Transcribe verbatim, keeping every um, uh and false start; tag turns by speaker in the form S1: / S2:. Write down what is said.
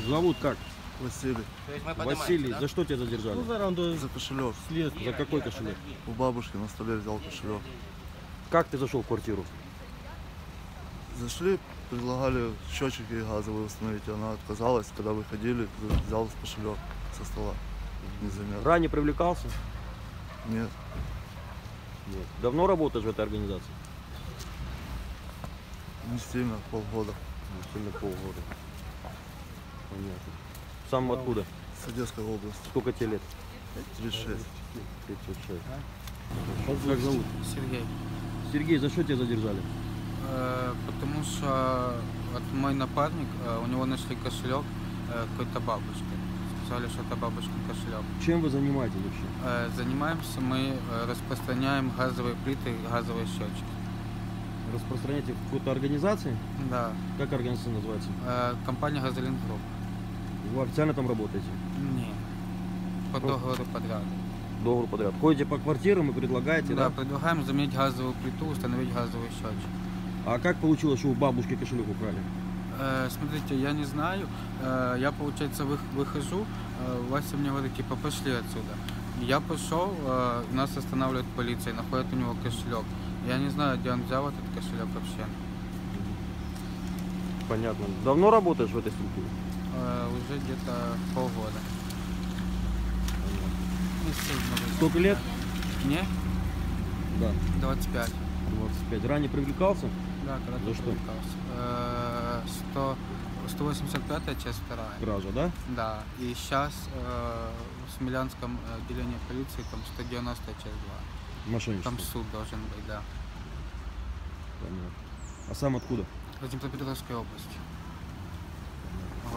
S1: Зовут как?
S2: Василий.
S1: Василий, да? За что тебя задержали?
S2: Ну, за кошелек.
S1: За какой кошелек?
S2: У бабушки на столе взял кошелек.
S1: Как ты зашел в квартиру?
S2: Зашли, предлагали счетчики газовые установить. Она отказалась, когда выходили, взял кошелек со стола. Незаметно.
S1: Ранее привлекался?
S2: Нет.
S1: Нет. Давно работаешь в этой организации?
S2: Не сильно, полгода.
S1: Не сильно полгода. Понятно. Сам откуда?
S2: С Одесской области.
S1: Сколько тебе лет?
S2: тридцать шесть.
S1: тридцать шесть. Как зовут?
S3: Сергей.
S1: Сергей, за что тебя задержали?
S3: Э, потому что вот мой напарник, э, у него нашли кошелек э, какой-то бабушки. Сказали, что это бабушкин кошелек.
S1: Чем вы занимаетесь вообще?
S3: Э, занимаемся мы, э, распространяем газовые плиты, газовые счетчики.
S1: Распространяете в какой-то организации?
S3: Да.
S1: Как организация называется?
S3: Э, компания Газолин Групп.
S1: Вы официально там работаете?
S3: Нет. По договору подряда.
S1: Договор подряд. Ходите по квартирам и предлагаете,
S3: Да,
S1: да?
S3: предлагаем заменить газовую плиту, установить газовый счетчик.
S1: А как получилось, что у бабушки кошелек украли?
S3: Э, смотрите, я не знаю. Э, я, получается, вы, выхожу, э, Вася мне говорит, типа, пошли отсюда. Я пошел, э, нас останавливает полиция, находит у него кошелек. Я не знаю, где он взял этот кошелек вообще.
S1: Понятно. Давно работаешь в этой структуре?
S3: Э, уже где-то полгода. Месяцев, может быть.
S1: Сколько лет?
S3: Мне
S1: Да.
S3: двадцать пять.
S1: двадцать пять. Ранее привлекался?
S3: Да, когда
S1: За что?
S3: привлекался. Э, сто, сто восемьдесят пятая часть вторая.
S1: Кража, да?
S3: Да. И сейчас э, в Смелянском отделении полиции там сто девяностая часть два.
S1: Мошенничество.
S3: Там суд должен быть, да.
S1: Понятно. А сам откуда?
S3: В Днепропетровской области.